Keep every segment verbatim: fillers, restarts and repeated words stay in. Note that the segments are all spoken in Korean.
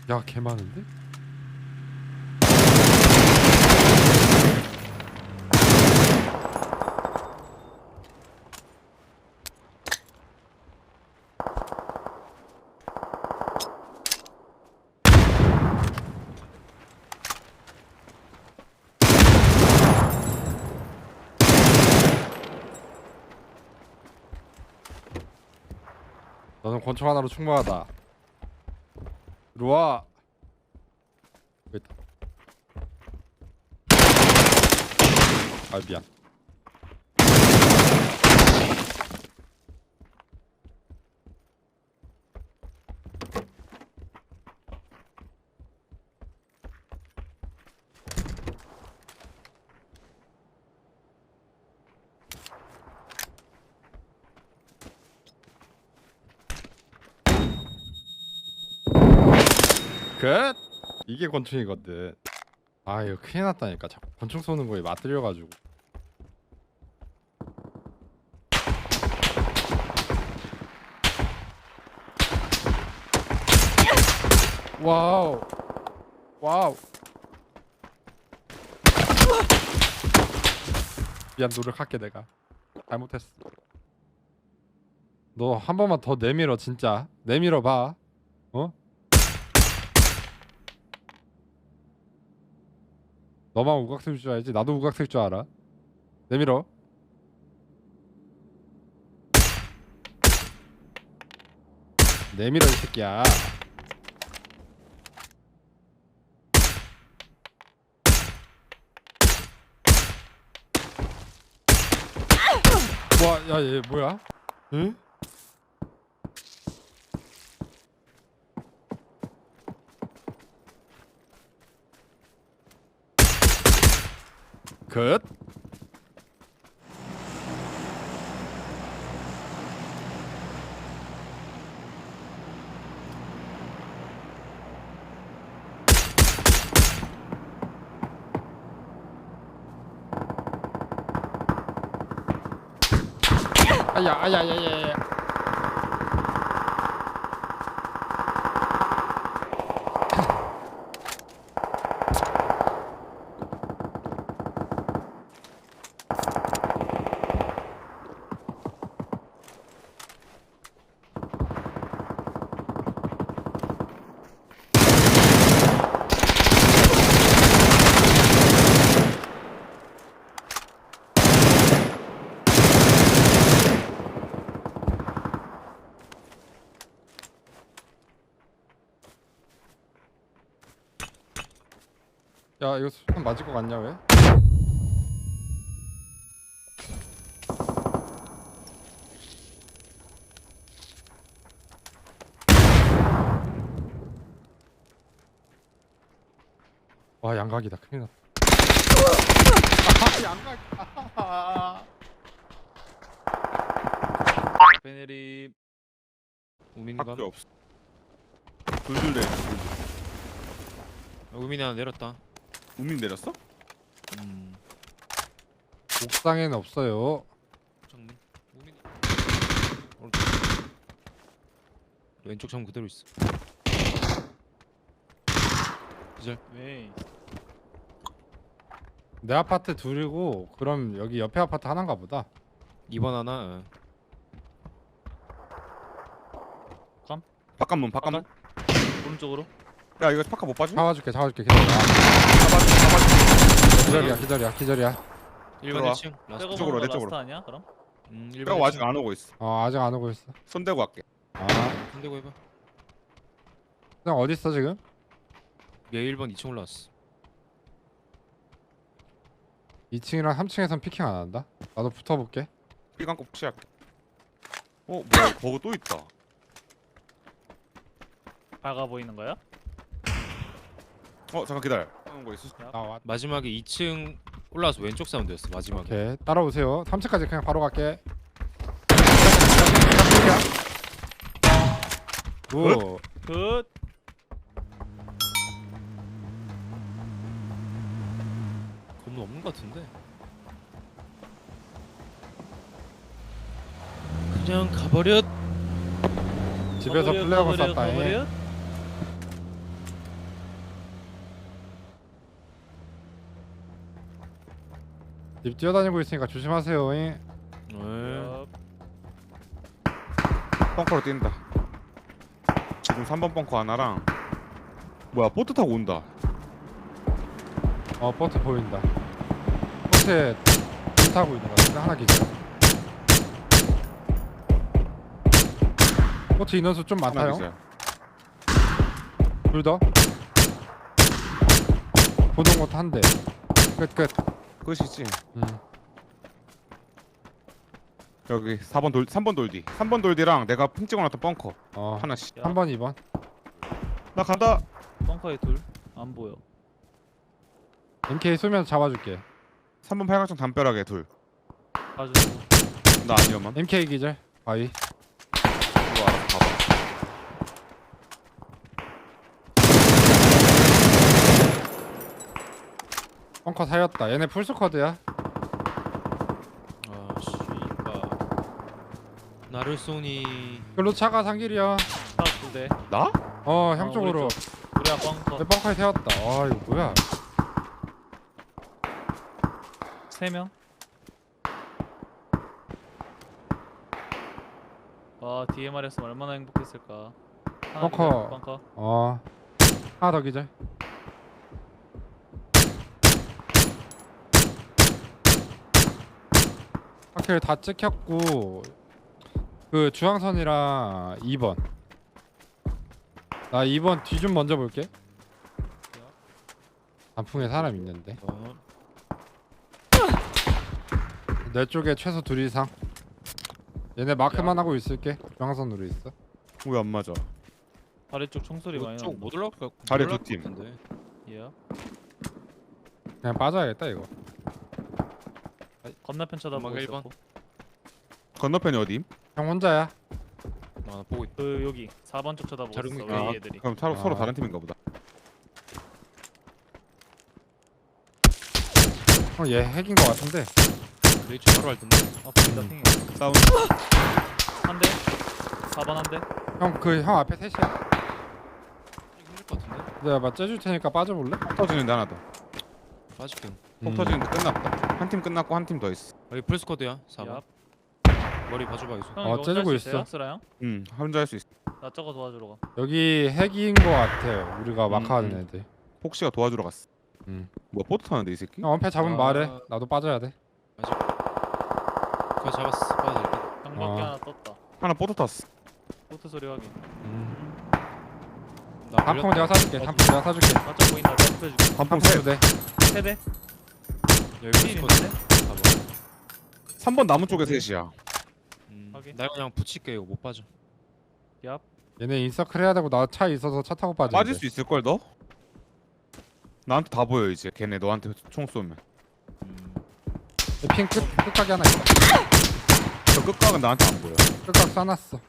야, 개 많은데? 너는 권총 하나로 충분하다. 들어와. 여기 있다. 아, 미안. 끝! 이게 권총이거든. 아, 이거 큰일 났다니까. 자꾸 권총 쏘는 거에 맞들려가지고. 와우. 와우. 미안, 노력할게. 내가 잘못했어. 너 한 번만 더 내밀어. 진짜 내밀어 봐. 어? 너만 우각쓸 줄 알지? 나도 우각쓸 줄 알아. 내밀어. 내밀어 이 새끼야. 와, 야, 얘 뭐야? 응? 끝. 아야, 아야, 아야, 아야. 야, 이거 수탄 맞을 것 같냐 왜? 와, 양각이다. 큰일 났다. 아, 양각. 아, 베네리 학교 우민이가 없어. 둘둘 내. 우민이 하나 내렸다. 우민 내렸어? 음 옥상에는 없어요. 창문 우민이 오른쪽 왼쪽 창문 그대로 있어. 기절. 왜? 내 아파트 둘이고, 그럼 여기 옆에 아파트 하나인가 보다. 이 번 하나. 어. 바깥문 바깥문. 오른쪽으로? 야 이거 바깥 못 봐줘? 잡아줄게, 잡아줄게. 기다려. 잡아줘 잡아줘. 기절이야, 기절이야, 기절이야. 일 번 들어와. 일 층 라스트. 백업 쪽으로, 오는 내 거 쪽으로. 라스트 아니야 그럼? 음 일 번 그럼 아직 안 오고 있어. 어, 아직 안 오고 있어. 손 대고 갈게. 아, 손대고 해봐. 그냥 어디 있어 지금? 얘 일 번 이 층 올라왔어. 이 층이랑 삼 층에선 피킹 안 한다. 나도 붙어볼게. 삐 감고 푸시할게. 어 뭐야 버그 또 있다. 밝아 보이는 거야? 어 잠깐 기다려. 하는 거 있어? 나 왔. 마지막에 이 층 올라와서 왼쪽 사운드였어 마지막에. 오케이, 따라오세요. 삼 층까지 그냥 바로 갈게. 오, 굿. 건물 없는 것 같은데. 그냥 가버렸. 집에서 가버려, 플레어건 가버려, 쐈다잉. 가버려. 집 뛰어다니고 있으니까 조심하세요. 잉. 네. 어, 벙커로 뛴다. 지금 삼 번 벙커 하나랑 뭐야 보트 타고 온다. 어 보트 보인다. 보트에 배 타고 있는 거 같은데 하나 기절. 보트 인원수 좀 하나 많아요. 기절. 둘 더. 보던 것도 한 대. 끝 끝. 끝이지. 음. 여기 사 번 돌 삼 번 돌디. 삼 번 돌디랑 내가 핑 찍어놨던 벙커 어. 하나씩. 삼 번, 이 번. 나 간다. 벙커에 둘. 안 보여. 엠케이 쏘면서 잡아줄게. 삼 번 팔각정 담벼락에 둘. 봐주고. 나 아니야만. 엠케이 기절. 바위. 이거 알아서 봐봐. 벙커 사였다. 얘네 풀스쿼드야. 아 씨발. 나를 쏘니. 글로 차가 상길이야. 딱두 대. 나? 어, 형 어, 쪽으로. 우리 우리야 벙커. 내 벙커에 세웠다. 아, 이거 뭐야? 세 명. 와 디엠알이었으면 얼마나 행복했을까. 하나 벙커. 기절, 벙커. 어. 하나 더 기절. 확실히 다 찍혔고 그 중앙선이랑 이 번. 나 이 번 뒤 좀 먼저 볼게. 단풍에 사람 있는데. 어. 내 쪽에 최소 둘 이상. 얘네 마크만 하고 있을게. 중앙선으로 있어. 왜 안 맞아? 다리 쪽 총소리 많이 이쪽 난다. 못 올라갈 것 자리 못 올라갈 두 팀. 것 같은데. 예. 그냥 빠져야겠다 이거. 건너편 쳐다보고 음악 일 번. 있었고. 건너편이 어디? 형 혼자야. 아, 나 보고 있다. 그 여기 사 번 쪽 쳐다보고 자르고 있어. 있구나. 우리 아, 애들이. 그럼 서로, 아. 서로 다른 팀인가 보다. 어, 얘 핵인 거 같은데. 레이치 바로 할 텐데. 아 보인다 음. 핑이. 사운드. 한 대. 사 번 한 대. 형 그 형 앞에 셋이야. 이거 힘들 것 같은데. 내가 막 째줄 테니까 빠져볼래? 폭 터지는데 하나 더. 빠질게. 폭 음. 터지는데 끝났다. 한 팀 끝났고 한 팀 더 있어. 여기 풀스쿼드야. 사 번. 얍. 머리 봐줘봐 이소. 형 어, 이거 째주고 혼자 있어. 있어요? 쓰라 형? 응, 혼자 할 수 있어. 나 저거 도와주러 가. 여기 핵인 거 같아. 우리가 음, 마크하는 음. 애들. 폭시가 도와주러 갔어. 음. 뭐야 보트 타는데 이 새끼? 형 원패 잡으면 아. 말해. 나도 빠져야 돼. 그거 잡았어. 빠야 될 것. 장밖에 어. 하나 떴다. 하나 보트 탔어. 보트 소리 확인. 음. 나 단풍 물렸다. 내가 사줄게. 단풍 내가 사줄게. 나쪽 보인다. 내가 눕혀줄게. 단풍 단풍 셋. 두 대. 세 대. 여기 필 풀스쿼드. 있는데? 사 번. 삼 번 나무 쪽에 셋이야. 음, 확인. 나 그냥 붙일게. 이거 못 빠져. 얍. 얘네 인서클 해야 되고 나 차 있어서 차 타고 빠져. 빠질 수 있을 걸 너? 나한테 다 보여 이제. 걔네 너한테 총 쏘면. 음. 핑 끝, 끝각이 하나 있다. 저 끝각은 나한테 안 보여. 끝각 쏴놨어.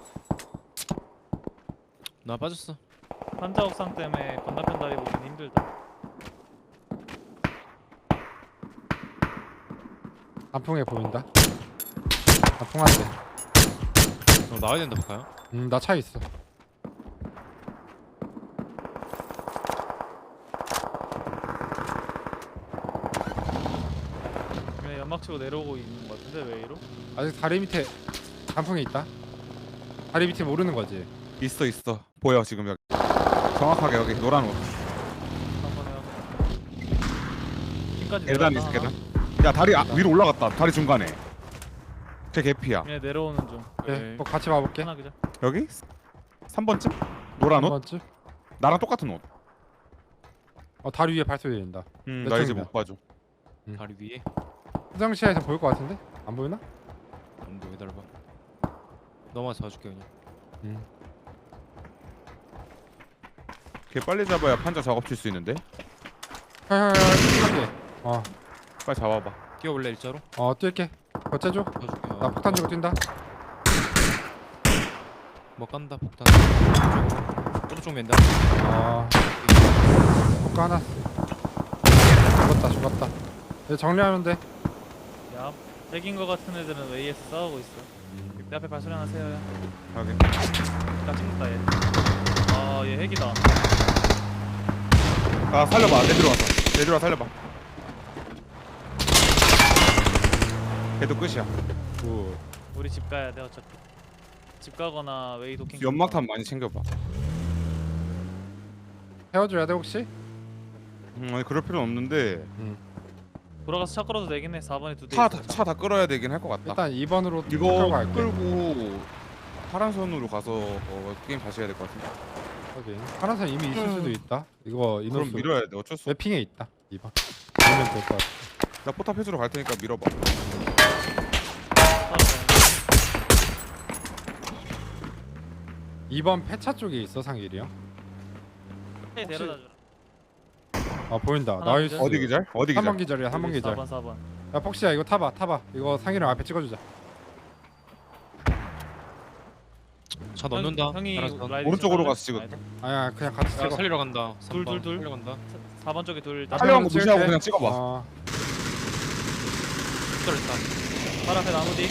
나 빠졌어. 환자 옥상 때문에 건너편 다리 보기 힘들다. 단풍에 보인다. 단풍 한 대. 너 나와야 된다 볼까요? 음, 나 차 있어. 그냥 연막 치고 내려오고 있는 것 같은데 왜 이러? 아직 다리 밑에 단풍에 있다. 다리 밑에 모르는 거지. 있어 있어. 보여 지금 여기. 정확하게 여기 노란 옷. 한번 해요. 핑까지 계단 내려왔다, 있어 하나. 계단. 야 다리 아, 위로 올라갔다. 다리 중간에. 제 개피야. 얘 내려오는 중. 그래, 네. 뭐 같이 봐볼게. 하나 그죠? 여기? 삼 번쯤? 노란 옷? 한 번쯤. 나랑 똑같은 옷. 어, 다리 위에 발소리 들린다. 음, 몇 나 이제 점이야? 못 봐줘. 다리 위에. 화장실에서 보일 것 같은데? 안 보이나? 안돼 기다려봐. 넘어가서 봐줄게 그냥. 음. 걔 빨리 잡아야 판자 작업 칠 수 있는데. 헐헐헐 한 개. 어, 빨리 잡아봐. 뛰어올래 일자로? 어 뛸게. 어째줘? 봐줄게. 나 폭탄 주고 뛴다. 뭐 깐다 폭탄. 오른쪽으로. 오른쪽 맨다. 어, 폭가 하나. 죽었다, 죽었다. 얘 정리하면 돼. 야, 핵인 거 같은 애들은 웨이에서 싸우고 있어. 내 앞에 발소리 하나 세워요. 확인. 나 찍는다 얘. 아, 얘 핵이다. 아 살려봐. 내 들어왔어. 내 들어와 살려봐. 걔도 끝이야. 굿. 우리 집 가야 돼 어차피. 집 가거나 웨이 도킹. 연막탄 많이 챙겨봐. 헤어줘야 돼 혹시? 음, 아니 그럴 필요는 없는데 돌아가서 차 끌어도 되긴 해. 사 번에 두 대. 차 차 다 끌어야 되긴 할 것 같다. 일단 이 번으로 이거 끌고 갈게. 끌고 파란선으로 가서 어, 게임 다시 해야 될 것 같은데. 확인. 파란색 이미 있을 수도 있다. 이거 그럼 인원수 밀어야 돼. 어쩔 수 없어. 맵핑에 있다. 이 번. 밀면 될 것 같아. 나 포탑 해주러 갈 테니까 밀어봐. 이 번 폐차 쪽에 있어 상일이 형. 차 데려다 주라. 아 보인다. 하나 나이스. 기절? 어디 기절? 어디 삼 번 기절? 기절이야. 삼 번 기절. 사 번 사 번. 야 폭시야 이거 타봐 타봐. 이거 상일이 형 앞에 찍어주자. 차 넣는다. 형이 알아서. 라이딩 오른쪽으로 차 가서 찍어. 아니다. 아야 그냥 같이 야 찍어. 살리러 간다. 둘, 삼 번 둘, 둘. 살리러 간다. 사 번 쪽에 둘. 아, 촬영한 거 찍을게. 무시하고 그냥 찍어봐. 어, 기절했다. 발 앞에 나무 뒤.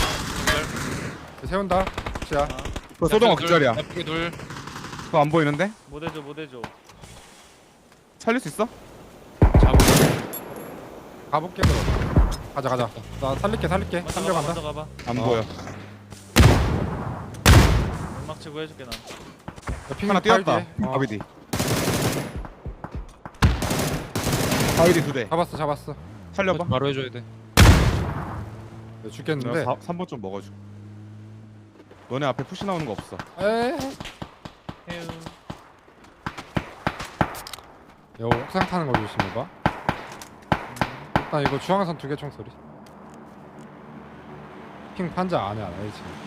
세운다. 폭시야. 아, 그 소동아 기절이야. 나쁘게 둘. 그거 안 보이는데? 못 해줘 못 해줘. 살릴 수 있어? 잡아. 가볼게 그럼. 가자 가자. 나 살릴게 살릴게. 먼저 가봐 살려간다. 먼저 가봐. 안 어. 보여. 음악 치고 해줄게 난. 하나 뛰었다. 어. 바비디. 바비디 두 대. 잡았어 잡았어. 살려봐. 바로 해줘야 돼. 네, 죽겠는데. 내가 삼 번 좀 먹어줘. 너네 앞에 푸시 나오는 거 없어. 에이. 해우. 이거 옥상 타는 거 조심해봐. 일단 이거 중앙선 두 개 총소리. 핑 판자 안에 안 해, 지금.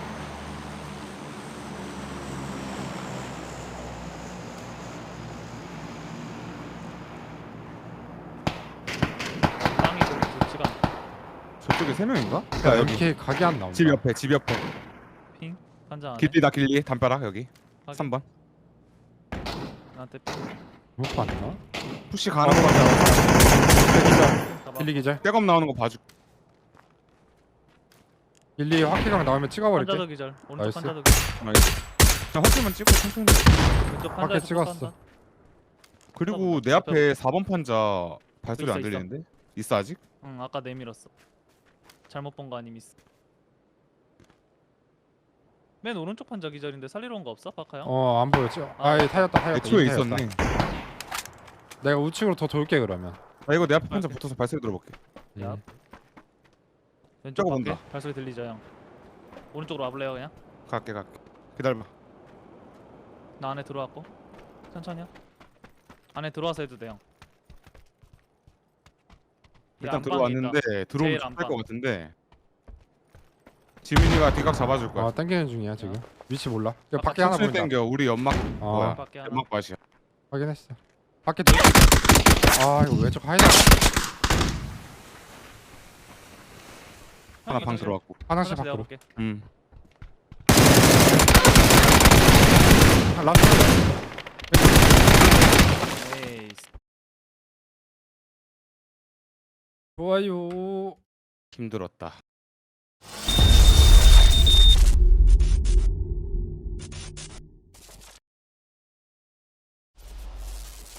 땅이 거기 좋지가 않다. 저쪽에 세 명인가? 야, 이렇게 각이 안 나온다. 집 옆에 집 옆에. 핑? 판자 안에? 길리다 길리 담벼락 여기. 확인. 삼 번. 나한테 핑. 못 봤나? 푸시 가는 거 같아. 가봐. 길리 기절. 백업 나오는 거 봐줄. 길리 확기강 나오면 찍어버릴게. 판자도 기절. 오른쪽 나이스. 판자도 기절. 알겠어. 그냥 허스만 찍고 천천히. 해. 왼쪽 밖에 판자에서 찍었어. 판자. 그리고 내 앞에 사 번 판자 발소리 있어, 안 있어. 들리는데? 있어 아직? 응 아까 내밀었어. 잘못 본 거 아님 있어. 맨 오른쪽 판자 기절인데 살리러 온 거 없어 파카 형? 어, 안 보였지? 아, 예, 타였다, 타였다. 애초에 이미 타였다. 있었네. 내가 우측으로 더 돌게 그러면. 나 이거 내 앞에 판자 붙어서 발소리 들어볼게. 야. 음. 왼쪽 저거 밖에 본다. 발소리 들리죠 형. 오른쪽으로 와볼래요 그냥? 갈게 갈게. 기다려봐. 나 안에 들어왔고 천천히요. 안에 들어와서 해도 돼 형. 일단 안방에 들어왔는데 있다. 들어오면 제일 할것 안방. 같은데. 지민이가 뒤각 잡아줄 거야. 아, 당기는 중이야 지금. 위치 몰라. 이거 아까 밖에 하나 천천히 보인다. 땡겨. 우리 연막 어, 뭐야? 밖에 하나. 연막 맛이야. 확인했어. 밖에 돌. 아, 이거 왼쪽 하이다. 하나 방 들어왔고. 화장실 내가 밖으로. 볼게. 음. 아, 라스트. 에이스. 좋아요. 힘들었다.